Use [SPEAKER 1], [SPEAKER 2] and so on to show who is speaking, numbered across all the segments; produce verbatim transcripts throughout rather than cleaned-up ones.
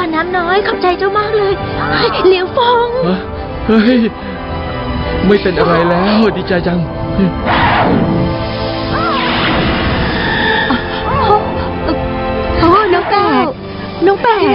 [SPEAKER 1] รน้ำน้อยขอบใจเจ้ามากเลยเหลียวฟง
[SPEAKER 2] เฮ้ยไม่เป็นอะไรแล้วดีใจจัง
[SPEAKER 1] โอ้น้องแปดน้องแปด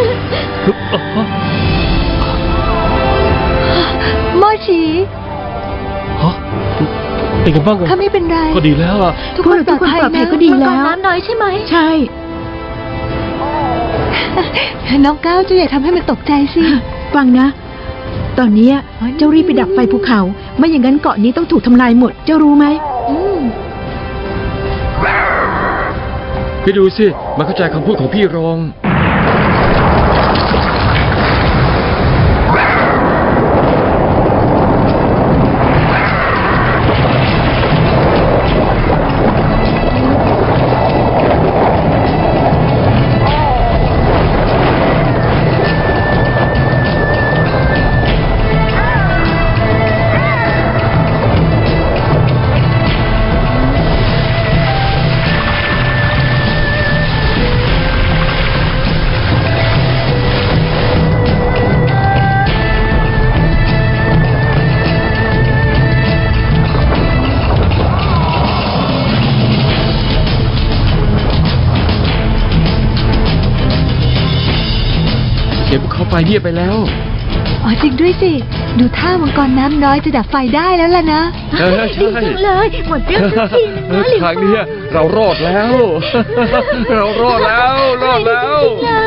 [SPEAKER 1] โมชี
[SPEAKER 2] ฮะเป็นกันบ้าง
[SPEAKER 1] ข้าไม่เป็นไร
[SPEAKER 2] ก็ดีแล้วอ่ะ
[SPEAKER 1] ทุกคนปลอดภัยนะก็ดีแล้วน้ำน้อยใช่ไหม
[SPEAKER 3] ใช่
[SPEAKER 1] น้องก้าวเจ้าอย่าทำให้มันตกใจสิ
[SPEAKER 3] ฟังนะตอนนี้เจ้ารีบไปดับไฟภูเขาไม่อย่างนั้นเกาะนี้ต้องถูกทำลายหมดเจ้ารู้ไหม
[SPEAKER 2] พี่ดูสิมันเข้าใจคำพูดของพี่รองไฟเงียบไปแล้ว
[SPEAKER 1] อ๋อจริงด้วยสิดูท่ามังกรน้ำน้อยจะดับไฟได้แล้วล่ะนะดีจังเลยหมดเรื่องสักทีนึงนะหลิวฟง
[SPEAKER 2] ทางนี้เรารอดแล้วเรารอดแล้วรอดแล้ว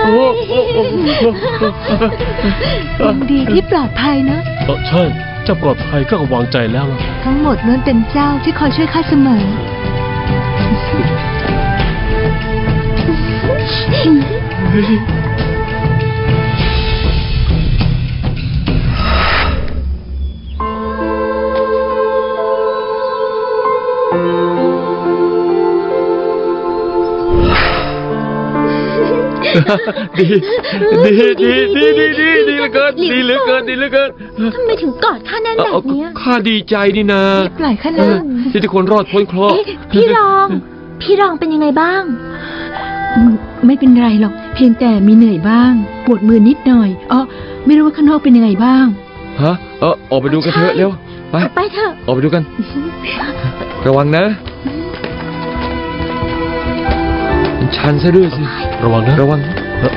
[SPEAKER 1] ยังดีที่ปลอดภัยนะ
[SPEAKER 2] เออใช่เจ้าปลอดภัยก็วางใจแล้วล่ะ
[SPEAKER 1] ทั้งหมดล้วนเป็นเจ้าที่คอยช่วยข้าเสมอ
[SPEAKER 2] ดีดีดีดีดีดีดีเหลือเกินดีเหลือเกินดีเหลือเกิน
[SPEAKER 1] ทำไมถึงกอดข้าแน่นแบบนี้
[SPEAKER 2] ข้าดีใจนี่นะ
[SPEAKER 1] ปล่อยข้าเลย
[SPEAKER 2] ที่ทุกคนรอดพ้นเคราะห์
[SPEAKER 1] พี่รองพี่รองเป็นยังไงบ้าง
[SPEAKER 3] ไม่เป็นไรหรอกเพียงแต่มีเหนื่อยบ้างปวดมือนิดหน่อยอ๋อไม่รู้ว่าข้างนอกเป็นยังไงบ้าง
[SPEAKER 2] ฮะเออออกไปดูกันเถอะเร็วไป
[SPEAKER 1] ไปเถอะ
[SPEAKER 2] ออกไปดูกันระวังนะชันซะด้วยสิระวังนะระวัง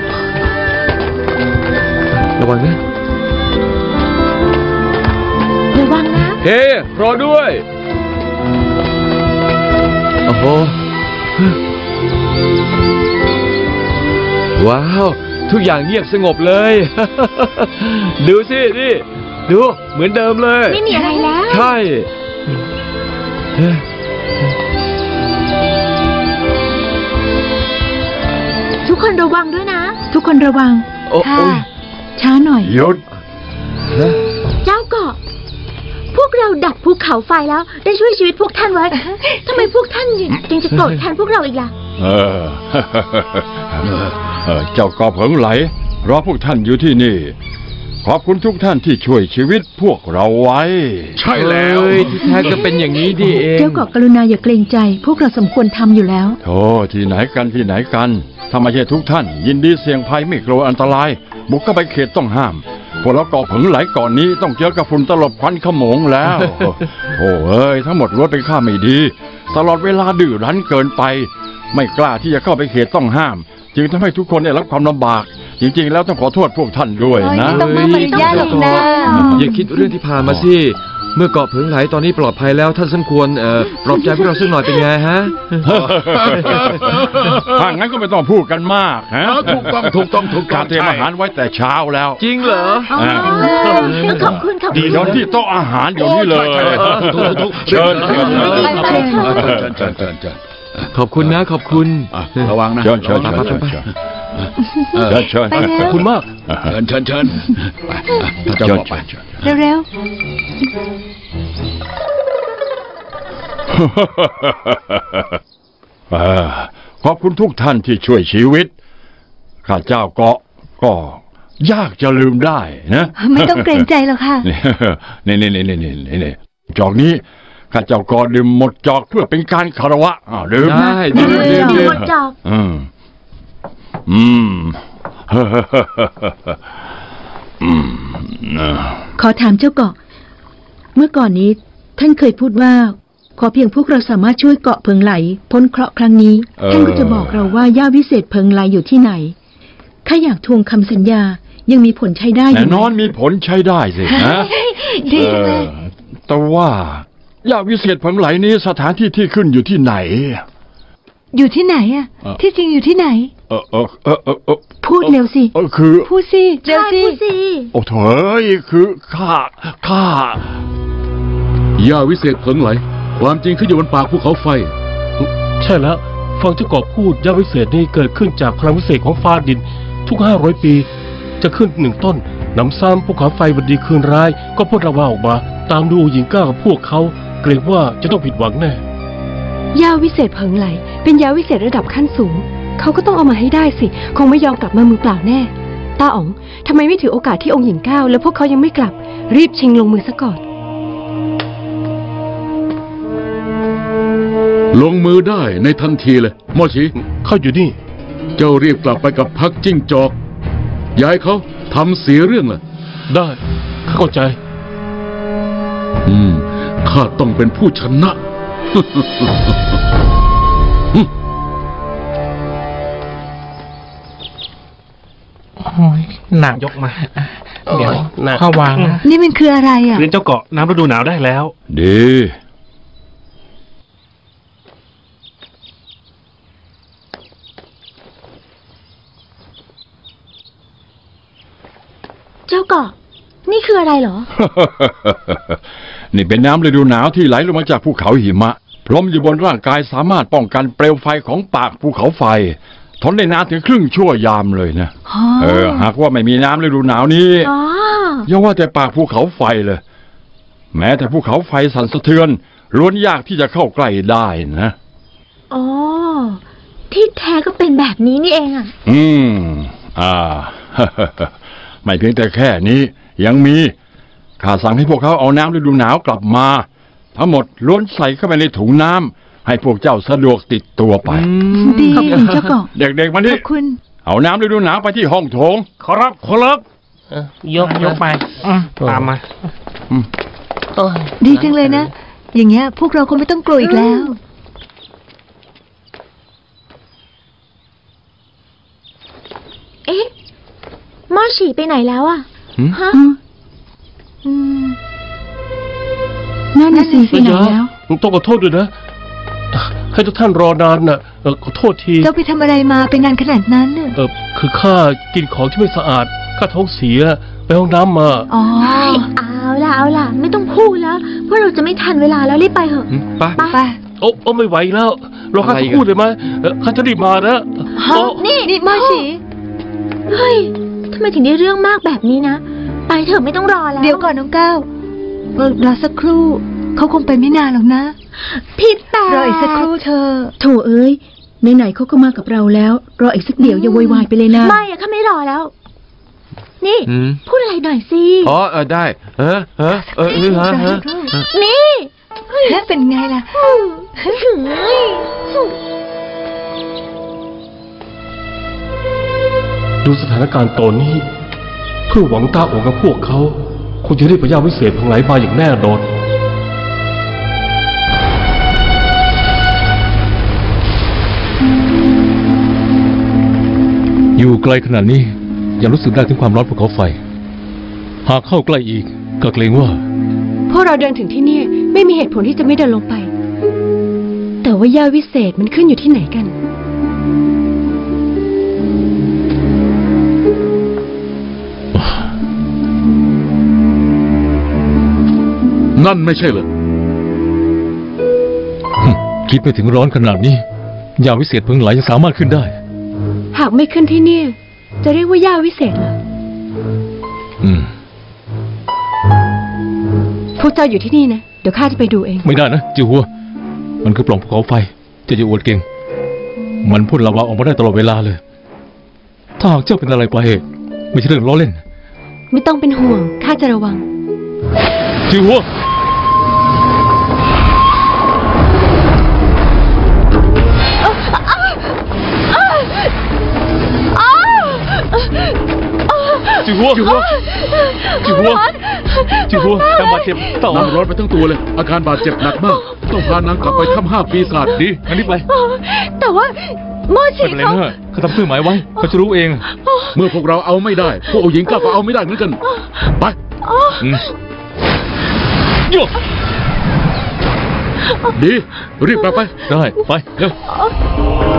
[SPEAKER 2] ระวังนะ
[SPEAKER 1] ระวังนะ
[SPEAKER 2] เฮ้รอด้วยโอ้โหว้าวทุกอย่างเงียบสงบเลยดูสินี่ดูเหมือนเดิมเลย
[SPEAKER 1] ไม่มีอะไรแล้ว
[SPEAKER 2] ใช่
[SPEAKER 1] ทุกคนระวังด้วยนะ
[SPEAKER 3] ทุกคนระวัง
[SPEAKER 1] ค่ะ
[SPEAKER 3] ช้าหน่อย
[SPEAKER 2] หยุด
[SPEAKER 1] เจ้าเกาะพวกเราดับภูเขาไฟแล้วได้ช่วยชีวิตพวกท่านไว้ทำไมพวกท่านจึงจะโกรธแทนพวกเราอีกล่ะ
[SPEAKER 4] เออเจ้าเกาะเผิงไหลรอพวกท่านอยู่ที่นี่ขอบคุณทุกท่านที่ช่วยชีวิตพวกเราไว้
[SPEAKER 2] ใช่แล้วที่แท้ก็เป็นอย่างนี้ดิเอง
[SPEAKER 3] เจ้าเกาะกรุณาอย่าเกรงใจพวกเราสมควรทำอยู่แล้ว
[SPEAKER 4] โธ่ที่ไหนกันที่ไหนกันถ้าไม่ใช่ทุกท่านยินดีเสี่ยงภัยไม่กลัวอันตรายบุกเข้าไปเขตต้องห้ามพวกเราเกาะเผิงไหลก่อนนี้ต้องเจอกับฝุ่นตลบควันขโมงแล้วโอ้เอ้ยทั้งหมดล้วนเป็นข้าไม่ดีตลอดเวลาดื้อรั้นเกินไปไม่กล้าที่จะเข้าไปเขตต้องห้ามจึงทำให้ทุกคนได้รับความลำบากจริงๆแล้วต้องขอโทษพวกท่านด้วยนะ
[SPEAKER 1] ต้องมาบรรยายเลยนะ
[SPEAKER 2] อย่าคิดเรื่องที่ผ่านมาสิเมื่อเกาะเผิงไหลตอนนี้ปลอดภัยแล้วท่านสมควรเอ่อปลอบใจพวกเราสักหน่อยเป็นไงฮะ
[SPEAKER 4] ถ้างั้นก็ไม่ต้องพูดกันมากฮะ
[SPEAKER 2] ถูกต้องถูกต้องถูกต้อง
[SPEAKER 4] เตรียมอาหารไว้แต่เช้าแล้ว
[SPEAKER 2] จริงเหรอ
[SPEAKER 1] ขอบคุณครับ
[SPEAKER 4] ดีตอนที่โต๊ะอาหารอยู่นี่เลยเชิญเชิญเชิญเชิญเชิญ
[SPEAKER 2] ขอบคุณนะขอบคุณ
[SPEAKER 4] ระวังนะเชิญเชิญเชิญเชิญเชิญเชิญ
[SPEAKER 2] ขอบคุณมาก
[SPEAKER 4] เชิญเชิญเชิญเชิญไป
[SPEAKER 1] เร็ว
[SPEAKER 4] ๆขอบคุณทุกท่านที่ช่วยชีวิตข้าเจ้าเกาะก็ยากจะลืมได้นะ
[SPEAKER 1] ไม่ต้องเกรงใจหรอกค่ะ
[SPEAKER 4] นี่นี่นี่นี่นี่นี่จอกนี้ข้าเจ้าเกาะดื่มหมดจอกเพื่อเป็นการคารวะอ้าวดื่ม
[SPEAKER 2] ได้ดื่มดื่ม
[SPEAKER 1] หมดจอก
[SPEAKER 4] อืมอืมอืมนะ
[SPEAKER 3] ขอถามเจ้าเกาะ เมื่อก่อนนี้ท่านเคยพูดว่า ขอเพียงพวกเราสามารถช่วยเกาะเพิงไหลพ้นเคราะห์ครั้งนี้ท่านก็จะบอกเราว่าย่าวิเศษเพิงไหลอยู่ที่ไหนข้าอยากทวงคำสัญญายังมีผลใช้ได้อ
[SPEAKER 4] แน่
[SPEAKER 3] ยู่ไห
[SPEAKER 4] น
[SPEAKER 3] ม
[SPEAKER 4] อนมีผลใช้ได้สินะ
[SPEAKER 1] ดีจังเลย
[SPEAKER 4] ออแต่ว่าย่าวิเศษเพิงไหลนี้สถานที่ที่ขึ้นอยู่ที่ไหน
[SPEAKER 1] อยู่ที่ไหนอะ
[SPEAKER 4] เอ่อ
[SPEAKER 1] ที่จริงอยู่ที่ไหน
[SPEAKER 4] เออเออเออเออเออ
[SPEAKER 3] พูดเร็วสิ
[SPEAKER 4] เออคือ
[SPEAKER 1] พูดสิเร็วสิ
[SPEAKER 4] โอ้โถยคือข้าข้า
[SPEAKER 5] ย่าวิเศษเพิงไหลความจริงขึ้นอยู่บนปากภูเขาไฟ
[SPEAKER 6] ใช่แล้วฟังเจ้าเกาะพูดย่าวิเศษนี่เกิดขึ้นจากพลังวิเศษของฟ้าดิน ทุกห้าร้อยปี จะขึ้นหนึ่งต้นนำซ้ำภูเขาไฟวันดีคืนร้าย ก็พ่นระวาออกมา ตามดูหญิงก้ากับพวกเขาเกรงว่าจะต้องผิดหวังแน่
[SPEAKER 7] ยาวิเศษเพิงไหลเป็นยาวิเศษระดับขั้นสูงเขาก็ต้องเอามาให้ได้สิคงไม่ยอมกลับมามือเปล่าแน่ตาอ๋องทำไมไม่ถือโอกาสที่องค์หญิงก้าวแล้วพวกเขายังไม่กลับรีบชิงลงมือซะก่อน
[SPEAKER 5] ลงมือได้ในทันทีเลยหมอชี
[SPEAKER 6] เขาอยู่นี่
[SPEAKER 5] เจ้ารีบกลับไปกับพักจิ้งจอกย้ายเขาทำเสียเรื่องล่ะ
[SPEAKER 6] ได้ข้าเข้าใจ
[SPEAKER 5] อืมข้าต้องเป็นผู้ชนะ
[SPEAKER 8] หนัก
[SPEAKER 6] ยกมา
[SPEAKER 8] เดี๋ยว
[SPEAKER 6] หนัก
[SPEAKER 8] ข้าวางนะ
[SPEAKER 1] นี่มันคืออะไรอะ
[SPEAKER 6] เรียนเจ้าเกาะน้ำฤดูหนาวได้แล้ว
[SPEAKER 4] ดี
[SPEAKER 1] เจ้าเกาะนี่คืออะไรเหรอ
[SPEAKER 4] นี่เป็นน้ำฤดูหนาวที่ไหลลงมาจากภูเขาหิมะพรมอยู่บนร่างกายสามารถป้องกันเปลวไฟของปากภูเขาไฟทนได้นานถึงครึ่งชั่วยามเลยนะ
[SPEAKER 1] อ๋อ
[SPEAKER 4] เออหากว่าไม่มีน้ำฤดูหนาวนี้
[SPEAKER 1] อ๋อ
[SPEAKER 4] อย่าว่าแต่ปากภูเขาไฟเลย แม้แต่ภูเขาไฟสั่นสะเทือนล้วนยากที่จะเข้าใกล้ได้นะ
[SPEAKER 1] อ๋อ ที่แท้ก็เป็นแบบนี้นี่เองอะ
[SPEAKER 4] อืม อ่า ไม่เพียงแต่แค่นี้ยังมีข้าสั่งให้พวกเขาเอาน้ำฤดูหนาวกลับมา ทั้งหมดล้วนใส่เข้าไปในถุงน้ำให้พวกเจ้าสะดวกติดตัวไป
[SPEAKER 3] ดีขอบคุณเจ้าเกาะ
[SPEAKER 4] เด็กๆมา
[SPEAKER 1] ข
[SPEAKER 4] นี่
[SPEAKER 1] อบคุณ
[SPEAKER 4] เอาน้ำฤดูหนาวไปที่ห้องโถง
[SPEAKER 6] ขอรับขอรับ
[SPEAKER 8] ยกยกไปอืมตามมา
[SPEAKER 1] ดีจังเลยนะ อย่างเงี้ยพวกเราคงไม่ต้องกลัวอีกแล้ว เอ๊ะหม้อฉี่ไปไหนแล้วอะ
[SPEAKER 4] หืม
[SPEAKER 1] ฮะ
[SPEAKER 3] อืม
[SPEAKER 1] อืม
[SPEAKER 3] นั่นน่ะสิไปไหนแล้ว
[SPEAKER 6] ต้องขอโทษด้วยนะ ให้ทุกท่านรอนานน่ะเออขอโทษที
[SPEAKER 1] เจ้าไปทำอะไรมาเป็นนานขนาดนั้นน่ะ
[SPEAKER 6] เออคือข้ากินของที่ไม่สะอาดข้าท้องเสียไปห้องน้ำมา
[SPEAKER 1] อ๋อเอาล่ะเอาล่ะ ไม่ต้องพูดแล้วเพราะเราจะไม่ทันเวลาแล้วรีบไปเถอะ
[SPEAKER 2] อืมไป
[SPEAKER 1] ไป
[SPEAKER 6] โอ้โอ้ไม่ไหวแล้วรอข้า
[SPEAKER 2] อะไร
[SPEAKER 6] สั
[SPEAKER 2] อี
[SPEAKER 6] ก
[SPEAKER 2] ก
[SPEAKER 6] ครู่
[SPEAKER 2] อะ
[SPEAKER 6] ได้ไหมเออข้าจะรีบมานะ
[SPEAKER 1] ฮะ
[SPEAKER 6] โอ้
[SPEAKER 1] นี่นี่หม้อฉี่เฮ้ยทำไมถึงได้เรื่องมากแบบนี้นะ ไปเถอะไม่ต้องรอแล้ว เดี๋ยวก่อนน้องก้าวเออรอสักครู่เขาคงไปไม่นานหรอกนะผิดแต่รออีกสักครู่เธอ
[SPEAKER 3] โถเอ้ยไหนๆเขาก็มากับเราแล้ว รออีกสักเดี๋ยวอย่าโวยวายไปเลยนะ
[SPEAKER 1] ไม่อะข้าไม่รอแล้ว นี่
[SPEAKER 2] อืม
[SPEAKER 1] พูดอะไรหน่อยสิ
[SPEAKER 2] อ๋อเออได้เออเออเออเออฮะฮะ
[SPEAKER 1] นี่แล้วเป็นไงล่ะ
[SPEAKER 6] ดูสถานการณ์ตอนนี้เพื่อหวังตาโอกับพวกเขาคงจะรีบพยาวิเศษพังไหลมาอย่างแน่นอน
[SPEAKER 5] อยู่ไกลขนาดนี้ยังรู้สึกได้ถึงความร้อนภูเขาไฟ หากเข้าใกล้อีกก็เกรงว่า
[SPEAKER 7] พวกเราเดินถึงที่นี่ไม่มีเหตุผลที่จะไม่เดินลงไป แต่ว่ายาวิเศษมันขึ้นอยู่ที่ไหนกัน
[SPEAKER 5] นั่นไม่ใช่เหรอฮึ่มคิดไม่ถึงร้อนขนาดนี้ยาวิเศษเพิงไหลยังสามารถขึ้นได้
[SPEAKER 7] หากไม่ขึ้นที่นี่จะเรียกว่ายาวิเศษเหรอ
[SPEAKER 5] อืม
[SPEAKER 7] พวกเจ้าอยู่ที่นี่นะเดี๋ยวข้าจะไปดูเอง
[SPEAKER 5] ไม่ได้นะจิวหัว มันคือปล่องภูเขาไฟเจะจะอวดเก่ง มันพ่นลาวาออกมาได้ตลอดเวลาเลย ถ้าหากเจ้าเป็นอะไรไปไม่ใช่เรื่องล้อเล่น
[SPEAKER 7] ไม่ต้องเป็นห่วงข้าจะระวัง
[SPEAKER 5] จิวหัวจิ๋วหัวจิ๋วหัวจิ๋วหัวจิ๋วหัวการบาดเจ็บต่อน
[SPEAKER 9] างร้อนไปทั้งตัวเลย อาการบาดเจ็บหนักมาก ต้องพานางกลับไปถ้ำห้าปีศาจดี
[SPEAKER 5] งั้นรีบไป
[SPEAKER 1] แต่ว่าโม
[SPEAKER 5] ไม่
[SPEAKER 1] ชิ
[SPEAKER 5] เป็นไร
[SPEAKER 1] เขา
[SPEAKER 5] เนอะเขาทำเครื่องหมายไว้เขาจะรู้เอง
[SPEAKER 9] เมื่อพวกเราเอาไม่ได้ พวกองค์หญิงกล้าก็เอาไม่ได้เหมือนกัน ไป
[SPEAKER 5] อืมโย่
[SPEAKER 9] ดี รีบกลับไป
[SPEAKER 5] ได้ไปเร็ว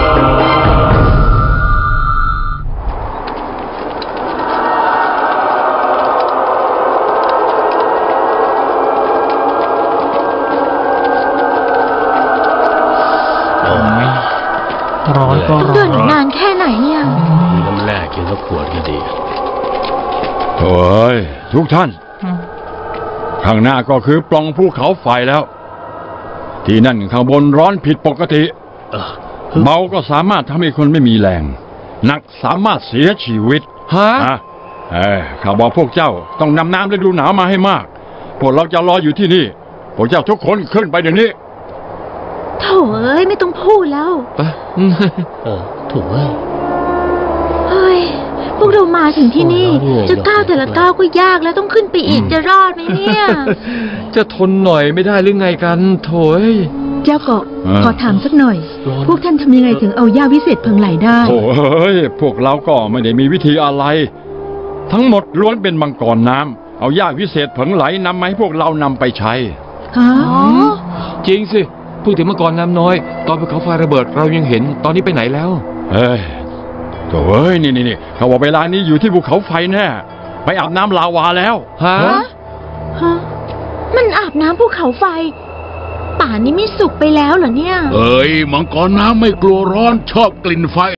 [SPEAKER 8] ร้อนก็
[SPEAKER 1] ต้อง
[SPEAKER 8] ร้
[SPEAKER 1] เดิ
[SPEAKER 8] อน
[SPEAKER 1] นนานแค่ไหนเนี่ย
[SPEAKER 6] มีน้ำแร่กินสักขวดก็ดี
[SPEAKER 4] โอ้ยทุกท่าน ข้างหน้าก็คือปล่องภูเขาไฟแล้ว ที่นั่นข้างบนร้อนผิดปกติ
[SPEAKER 6] เออ
[SPEAKER 4] เบาก็สามารถทำให้คนไม่มีแรง หนักสามารถเสียชีวิต
[SPEAKER 2] ฮะ
[SPEAKER 4] นะเออข้าบอกพวกเจ้าต้องนำน้ำฤดูหนาวมาให้มาก พวกเราจะรออยู่ที่นี่ พวกเจ้าทุกคนขึ้นไปเดี๋ยวนี้
[SPEAKER 1] โถ่เอ้ยไม่ต้องพูดแล้ว
[SPEAKER 2] ไปอืม
[SPEAKER 6] เออถูกเว้ย
[SPEAKER 1] เฮ้ย พวกเรามาถึงที่นี่
[SPEAKER 6] โอ้ย
[SPEAKER 1] จะก้าวแต่ละก้าวก็ยากแล้วต้องขึ้นไปอีกจะรอดไหมเนี่ย
[SPEAKER 2] จะทนหน่อยไม่ได้หรือไงกันโถย
[SPEAKER 3] เจ้าเกาะ
[SPEAKER 4] เออ
[SPEAKER 3] ขอถามสักหน่อย
[SPEAKER 6] ร้อน
[SPEAKER 3] พวกท่านทำยังไงถึงเอาย่าวิเศษเพิงไหลได้
[SPEAKER 4] โอ้ยพวกเราก็ไม่ได้มีวิธีอะไร ทั้งหมดล้วนเป็นมังกรน้ำเอาย่าวิเศษเผิงไหลนำมาให้พวกเรานำไปใช้
[SPEAKER 3] ฮะ
[SPEAKER 1] อ๋อ
[SPEAKER 2] จริงสิพูดถึงเมื่อก่อนน้ำน้อย ตอนภูเขาไฟระเบิดเรายังเห็นตอนนี้ไปไหนแล้ว
[SPEAKER 4] เฮ้ยโถ่เอ้ยนี่นี่นี่เขาบอกเวลานี้อยู่ที่ภูเขาไฟแน่ไปอาบน้ำลาวาแล้ว
[SPEAKER 2] ฮะ
[SPEAKER 1] ฮะมันอาบน้ำภูเขาไฟ ป่านนี้ไม่สุกไปแล้วเหรอเนี่ย
[SPEAKER 9] เอ้ย มังกรน้ำไม่กลัวร้อนชอบกลิ่นไฟ